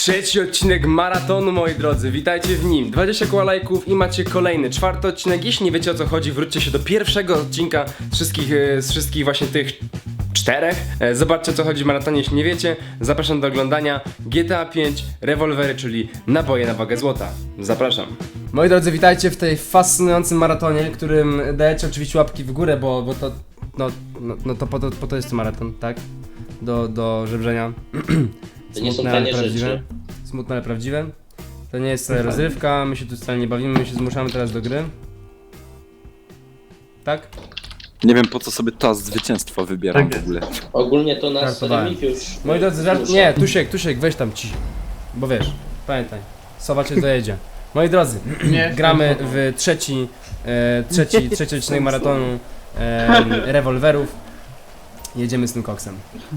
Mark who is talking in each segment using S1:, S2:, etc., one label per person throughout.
S1: Trzeci odcinek maratonu, moi drodzy, witajcie w nim. 20 koła lajków i macie kolejny, czwarty odcinek. Jeśli nie wiecie o co chodzi, wróćcie się do pierwszego odcinka z wszystkich właśnie tych czterech. Zobaczcie o co chodzi w maratonie, jeśli nie wiecie. Zapraszam do oglądania. GTA 5, rewolwery, czyli naboje na wagę złota. Zapraszam. Moi drodzy, witajcie w tej fascynującym maratonie, którym dajecie oczywiście łapki w górę, bo to, to po to jest to maraton, tak? Do żebrzenia.
S2: To nie są
S1: Smutne, ale
S2: tanie
S1: prawdziwe.
S2: rzeczy.
S1: Smutne, ale prawdziwe. To nie jest wcale rozrywka, my się tu wcale nie bawimy, my się zmuszamy teraz do gry. Tak?
S3: Nie wiem po co sobie czas zwycięstwa wybieram
S4: Tak
S3: w ogóle.
S2: Ogólnie to nas
S1: Żartowałem.
S2: Remigiusz...
S1: Moi drodzy, nie, Tusiek, weź tam ci. Bo wiesz, pamiętaj, sowa cię dojedzie. Moi drodzy,
S4: Nie,
S1: gramy w trzeci odcinek maratonu rewolwerów. Jedziemy z tym koksem.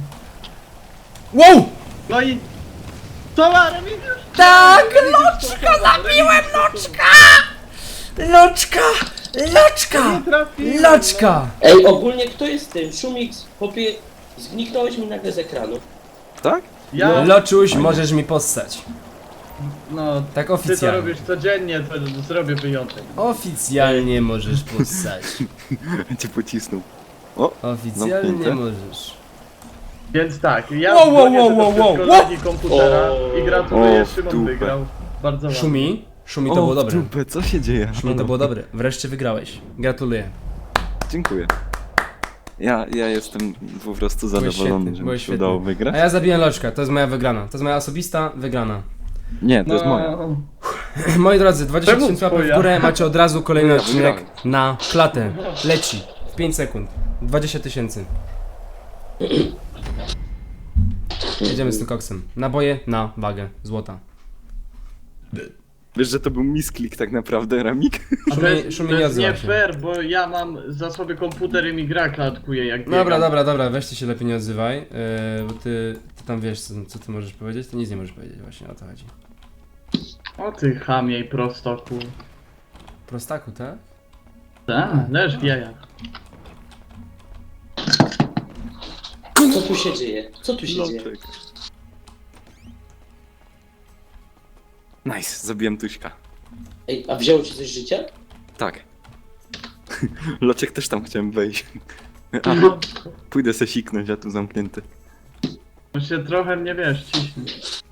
S1: Wow!
S4: No i... Co ma Remigiusz?
S1: Tak, loczka, zabiłem loczka! Loczka!
S4: Trafiłem,
S1: Loczka!
S2: Ej, ogólnie kto jest tym? Szumix, popie... Zniknąłeś mi nagle z ekranu.
S3: Tak?
S4: Ja?
S1: Loczuś, możesz mi possać.
S4: No,
S1: Tak
S4: ty to
S1: oficjalnie.
S4: robisz codziennie, to zrobię wyjątek.
S1: Oficjalnie możesz possać.
S3: Cię pocisnął.
S1: Oficjalnie
S3: Zamknięte.
S1: możesz.
S4: Więc tak, ja
S1: Wow,
S4: dzwonię
S1: wow,
S4: do
S1: wow, wow,
S4: kolegi komputera
S2: O.
S4: i gratuluję,
S3: O, w
S4: Szymon
S3: dupę.
S4: wygrał. Bardzo ładnie.
S1: Szumi to było dobre.
S3: Dupę, co się dzieje?
S1: Szumi to było dobre. Wreszcie wygrałeś. Gratuluję.
S3: Dziękuję. Ja jestem po prostu zadowolony,
S1: świetny,
S3: że mi
S1: byłeś
S3: się udało
S1: świetny.
S3: wygrać.
S1: A ja zabiłem loczka, to jest moja wygrana. To jest moja osobista wygrana.
S3: Nie, to jest moja.
S1: Moi drodzy, 20
S4: Czemu
S1: tysięcy łapek w
S4: twoja?
S1: górę, macie od razu kolejny
S3: Ja
S1: odcinek
S3: wygrałem.
S1: na klatę. Leci. W 5 sekund. 20 tysięcy. Jedziemy z tym koksem. Naboje na wagę złota.
S3: Wiesz, że to był misklik tak naprawdę, Ramik?
S4: A to jest,
S1: Szumi
S4: to
S1: nie
S4: jest
S1: odzywa
S4: nie
S1: się.
S4: fair, bo ja mam za sobie komputer i mi gra klatkuje jak
S1: Dobra, weź ty się lepiej nie odzywaj, bo ty tam wiesz co ty możesz powiedzieć, ty nic nie możesz powiedzieć, właśnie o to chodzi.
S4: O ty chamie i prostoku.
S1: Prostaku, tak?
S4: Tak, leż w jajach.
S2: Co tu się dzieje? Co tu się dzieje?
S3: Nice, zabiłem Tuśka.
S2: Ej, a wzięło ci coś życia?
S3: Tak. Loczek też tam chciałem wejść. A, pójdę se siknąć, a tu zamknięty.
S4: Bo się trochę mnie wiesz, ciśnie.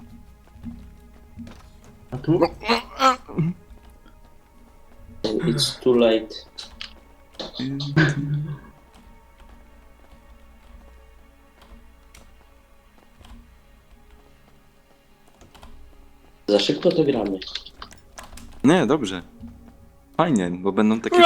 S4: A tu?
S2: It's too late. Za szybko to gramy.
S3: Nie, dobrze. Fajnie, bo będą takie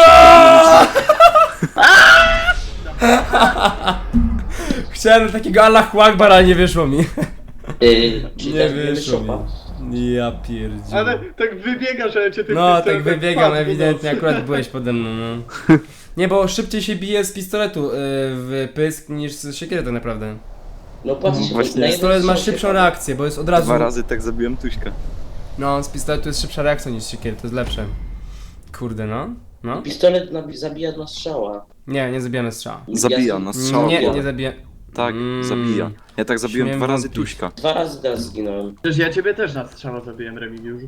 S1: Chciałem takiego Allahu Akbar, ale nie wyszło mi.
S2: Czyli
S1: Nie
S2: teraz będziemy
S1: wyszło
S2: szopa.
S1: mi. Ja pierdzielę.
S4: Ale tak wybiegasz, ale cię ty
S1: No,
S4: pistolet
S1: tak wybiegam,
S4: wpadł,
S1: ewidentnie,
S4: no.
S1: akurat byłeś pode mną, no. Nie, bo szybciej się bije z pistoletu w pysk niż z siekiery tak naprawdę.
S2: No patrzcie,
S3: No, właśnie.
S2: na jedną
S1: Pistolet ma
S2: strzałkę
S1: szybszą
S2: pada.
S1: reakcję, bo jest od razu...
S3: 2 razy tak zabiłem Tuśka.
S1: No, z pistoletu jest szybsza reakcja niż z siekiery, to jest lepsze. Kurde, no. No.
S2: Pistolet zabija na strzała.
S1: Nie zabijamy strzała.
S3: Zabija na strzała.
S1: Nie zabija.
S3: Tak, zabija. Ja tak zabiłem
S1: Śmiem
S3: 2 razy
S1: wątpić.
S3: Tuśka.
S2: 2 razy teraz zginąłem.
S4: Przecież ja ciebie też na strzała zabiłem, Remigiuszu.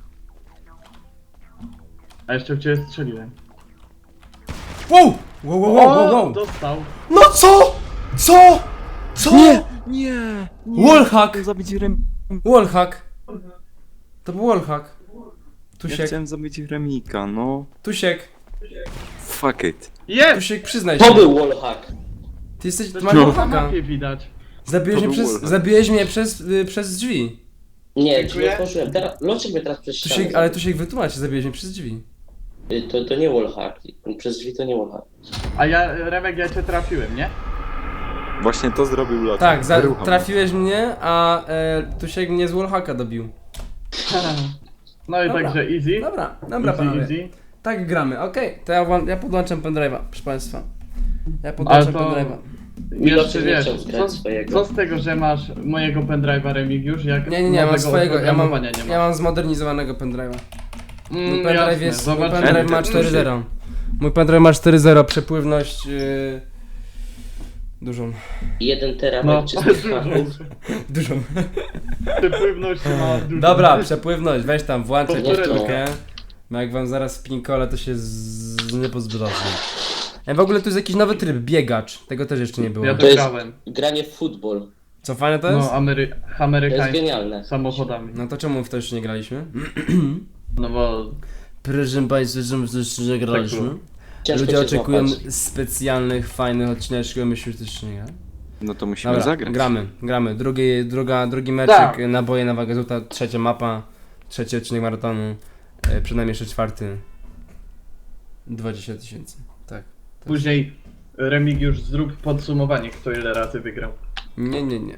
S4: A jeszcze w ciebie strzeliłem.
S1: Wow!
S4: O, dostał.
S1: No co? Co?
S3: Nie!
S1: Wallhack!
S3: Zabić
S1: Wallhack! To był wallhack.
S3: Ja
S1: Tusiek,
S3: chciałem zabić Remika, no.
S1: Tusiek,
S3: Fuck it.
S4: Jest!
S1: Tusiek, przyznaj się.
S2: To był wallhack.
S1: Ty jesteś,
S4: To
S1: masz
S4: na
S1: wallhacka.
S4: mapie widać.
S1: Zabiłeś mnie przez drzwi.
S2: Nie,
S4: Dziękuję.
S2: drzwi otworzyłem. Teraz, Loczek mnie teraz przez ścianę
S1: Tusiek, ale Tusiek wytłumacz, zabiłeś mnie przez drzwi.
S2: To nie wallhack. Przez drzwi to nie wallhack.
S4: A ja, Remek, ja cię trafiłem, nie?
S3: Właśnie to zrobił Loczek.
S1: Tak,
S3: Wyruchał
S1: trafiłeś mnie, a Tusiek mnie z wallhacka dobił.
S4: No i
S1: Dobra.
S4: także easy.
S1: Dobra,
S4: Easy,
S1: panowie.
S4: easy.
S1: Tak gramy, okej. To ja podłączam pendrive'a, proszę państwa. Ja
S4: Ale
S1: podłączam
S4: to...
S1: pendrive'a.
S4: Jeszcze
S2: Loczek nie
S4: wiesz,
S2: chciał zgrać swojego.
S4: co z tego, że masz mojego pendrive'a Remigiusz, jak
S1: Nie, mam
S4: nowego
S1: swojego,
S4: oprogramowania nie ma.
S1: ja mam zmodernizowanego pendrive'a. Mój
S4: Mm,
S1: pendrive
S4: jasne,
S1: jest, mój
S4: zobaczymy.
S1: pendrive ma 4.0. Mój pendrive ma 4.0, przepływność Dużą.
S2: 1 terabajt
S4: No,
S2: czystych haków.
S1: Dużą.
S4: przepływność ma dużo.
S1: Dobra, przepływność, weź tam, włączaj
S2: Powtórkę.
S1: powtórkę. No jak wam zaraz w pinkole, to się nie pozbrodzi. W ogóle tu jest jakiś nowy tryb, biegacz. Tego też jeszcze nie było.
S4: Ja
S2: To
S4: to
S2: jest
S4: grałem.
S2: granie w futbol.
S1: Co fajne to jest?
S4: No,
S2: To jest
S4: amerykański.
S2: genialne.
S4: Samochodami.
S1: No to czemu w to jeszcze nie graliśmy?
S4: No bo...
S1: Proszę Państwa, czemu w to jeszcze nie graliśmy?
S4: było.
S2: Ciężko
S1: Ludzie
S2: cię
S1: oczekują
S2: złapać.
S1: specjalnych, fajnych odcineczków, a myśmy też jeszcze nie grali.
S3: No to musimy
S1: Dobra,
S3: zagrać.
S1: gramy. Drugi meczek,
S4: Tak.
S1: naboje na wagę złota, trzecia mapa, trzeci odcinek maratonu, przynajmniej jeszcze czwarty. 20 000. Tak.
S4: Później Remigiusz zrób podsumowanie, kto ile razy wygrał.
S1: Nie.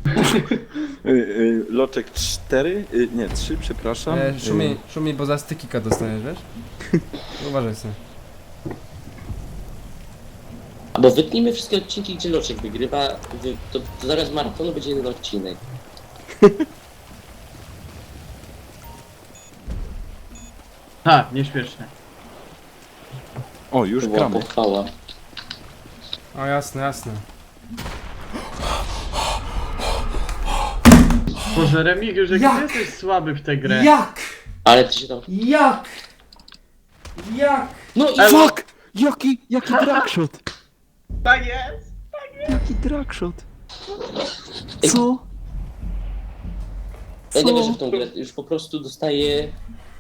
S3: Loczek 4, nie 3, przepraszam.
S1: Szumi, bo za stykika dostaniesz, wiesz? Uważaj sobie.
S2: Bo wytnijmy wszystkie odcinki, gdzie Loczek wygrywa, to zaraz maratonu będzie jeden odcinek.
S4: Ha, nieśmieszne.
S3: O, już
S2: To była
S3: gramy.
S2: pochwała.
S1: O jasne.
S4: Boże, Remigiusz, jak
S1: Jak?
S4: ty jesteś słaby w tę grę.
S1: Jak?
S2: Ale ty się tam...
S1: Jak?
S2: No i
S3: Fuck! Jaki dragshot!
S4: Tak jest!
S3: Jaki dragshot! Co?
S2: ja nie wierzę w tą grę, już po prostu dostaję...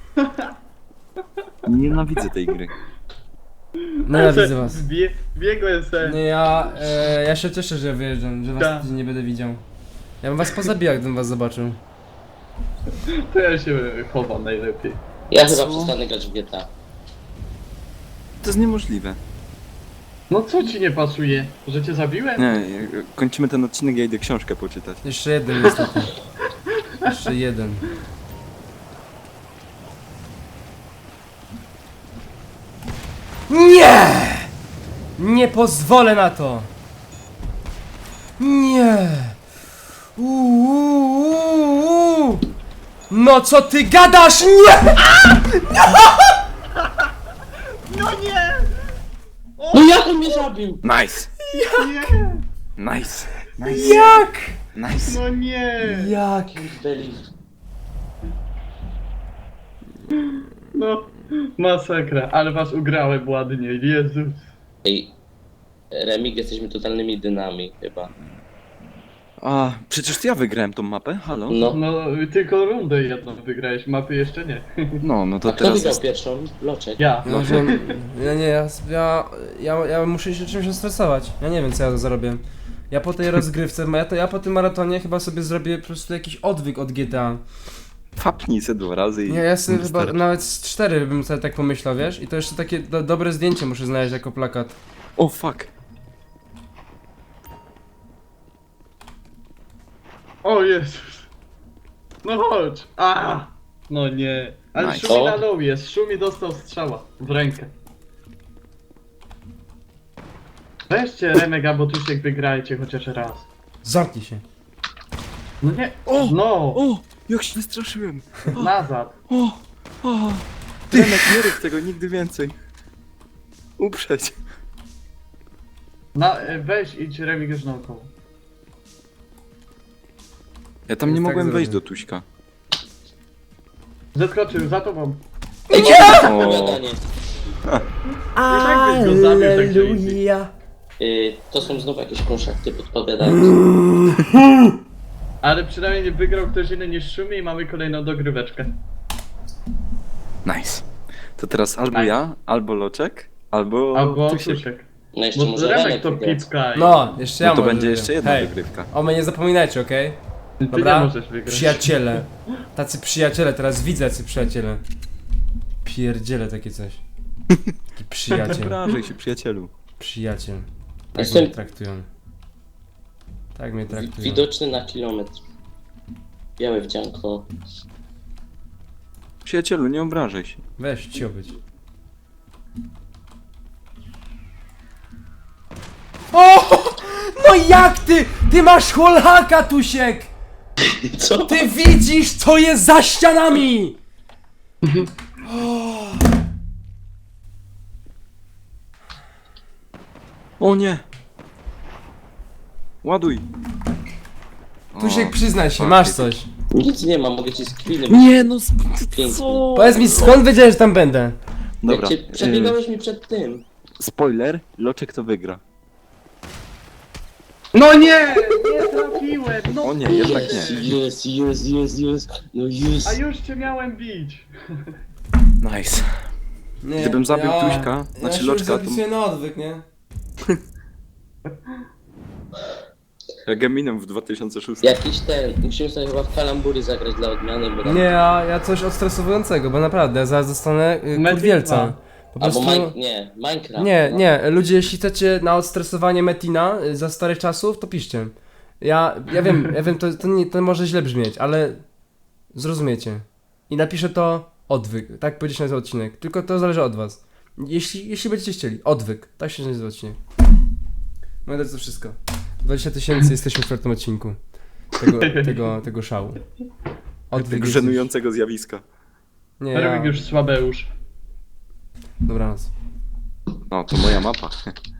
S3: Nienawidzę tej gry.
S1: Nienawidzę was.
S4: Biegłem se.
S1: Nie, ja się cieszę, że wyjeżdżam, że was
S4: Tak.
S1: tydzień nie będę widział. Ja bym was pozabijał, gdybym was zobaczył.
S4: To ja się chowam najlepiej.
S2: Ja
S3: Co?
S2: chyba przestanę grać w GTA.
S3: To jest niemożliwe.
S4: No co ci nie pasuje? Że cię zabiłem?
S3: Nie, kończymy ten odcinek, ja idę książkę poczytać.
S1: Jeszcze jeden niestety. Jeszcze jeden. Nie! Nie pozwolę na to! Nie! Uuu. No co ty gadasz? Nie!
S2: No jak on mnie zabił?
S3: Nice!
S4: Nie!
S3: Nice!
S1: Jak?
S3: Nice!
S4: No nie!
S1: Jak?
S2: Beli.
S4: No, masakra, ale was ugrałem ładnie, Jezus.
S2: Ej, Remig, jesteśmy totalnymi dynami chyba.
S3: A, przecież to ja wygrałem tą mapę, halo?
S2: No.
S4: No, tylko rundę jedną wygrałeś, mapy jeszcze nie.
S3: No to
S2: A kto
S3: teraz
S2: wygrał
S3: jest...
S2: pierwszą? Loczek.
S4: Ja.
S1: Ja, ja muszę się czymś stresować. Ja nie wiem co ja zarobię. Ja po tej rozgrywce, ja po tym maratonie chyba sobie zrobię po prostu jakiś odwyk od GTA.
S3: Fapnij se 2 razy i...
S1: Nie, ja sobie chyba
S3: Stary.
S1: nawet z 4 bym sobie tak pomyślał, wiesz? I to jeszcze takie dobre zdjęcie muszę znaleźć jako plakat.
S3: O, fuck!
S4: O Jezus. No chodź. A! No nie. Ale
S3: Nice.
S4: Szumi
S2: O.
S4: na low jest, Szumi dostał strzała w rękę. Weźcie Remek albo Tusiek, wygrajcie chociaż raz.
S1: Zamknij się.
S4: No nie.
S3: O!
S4: No!
S3: O! Jak się wystraszyłem!
S4: Nazad.
S3: O! O! Remek, nie rób tego nigdy więcej. Uprzeć.
S4: Weź idź Remik już naokoło.
S3: Ja tam nie
S1: Tak
S3: mogłem wejść
S1: zrobię.
S3: do Tuśka.
S4: Zeskoczył za tobą.
S2: Ej, nie!
S3: O.
S2: Opowiadanie.
S4: I tak byś go zabił, tak że easy.
S2: To są znowu jakieś konszachty podpowiadane.
S4: Ale przynajmniej nie wygrał ktoś inny niż Szumi i mamy kolejną dogryweczkę.
S3: Nice. To teraz albo
S4: Nice.
S3: ja, albo Loczek, albo
S4: Albo
S3: Tusiek.
S4: Tusiek.
S2: No jeszcze
S4: Bo
S2: może
S4: Remek
S2: Remek
S4: to
S2: wygrać.
S4: pipka i...
S1: No, jeszcze ja
S3: No to
S1: może
S3: będzie
S1: wygram.
S3: jeszcze jedna
S1: Hej,
S3: dogrywka.
S1: o mnie nie zapominajcie, okej?
S4: Ty
S1: Dobra?
S4: nie możesz wygrać.
S1: Przyjaciele. Tacy przyjaciele, teraz widzę jacy przyjaciele. Pierdziele takie coś. Taki
S3: Nie
S1: przyjaciel.
S3: obrażaj się, przyjacielu.
S1: Przyjaciel. Tak
S2: Jestem-
S1: mnie traktują. Tak mnie traktują.
S2: Widoczny na kilometr. Białe wdzianko.
S3: Przyjacielu, nie obrażaj się.
S1: Weź cio być. O! No jak ty? Ty masz holhaka, Tusiek!
S2: Co?
S1: Ty widzisz, co jest za ścianami!
S3: O nie! Ładuj.
S1: Tusiek, przyznaj się,
S3: o,
S1: masz
S3: ty-
S1: coś.
S2: Nic nie mam, mogę ci screeny.
S3: Nie no,
S2: Pięknie.
S3: co?
S1: Powiedz mi, skąd wiedziałeś, że tam będę?
S3: Dobra,
S2: Jak cię przebiegałeś mi przed tym.
S3: spoiler, Loczek to wygra.
S4: No nie! Nie trafiłem! No
S3: O nie, jednak nie.
S2: Jest. No
S4: A
S2: jest.
S4: już cię miałem bić.
S3: Nice.
S1: Nie,
S3: Gdybym zabił Tuśka, znaczy
S1: ja się
S3: Loczka,
S1: już
S3: to-
S1: zapisuję na odwyk, nie?
S3: Jak Eminem w 2006.
S2: Jakiś ten, musimy sobie chyba w kalambury zagrać dla odmiany, bo tam...
S1: Nie, ja coś odstresowującego, bo naprawdę, ja zaraz zostanę
S4: Medyk
S1: kurwielca.
S4: dwa.
S1: Po
S2: Albo
S1: prostu...
S2: Minecraft.
S1: Nie,
S2: no.
S1: nie, ludzie, jeśli chcecie na odstresowanie Metina za starych czasów, to piszcie. Ja wiem, to może źle brzmieć, ale zrozumiecie. I napiszę to odwyk, tak będzie się nazywał odcinek. Tylko to zależy od was. Jeśli będziecie chcieli, odwyk, tak się nazywa odcinek. No to jest wszystko. 20 000, jesteśmy w czwartym odcinku tego szału. Odwyk
S3: Tego
S1: jest
S3: żenującego zjawiska.
S1: już... Nie, ja...
S4: Rybik już słabeusz.
S1: Dobranoc.
S3: No, to moja mapa.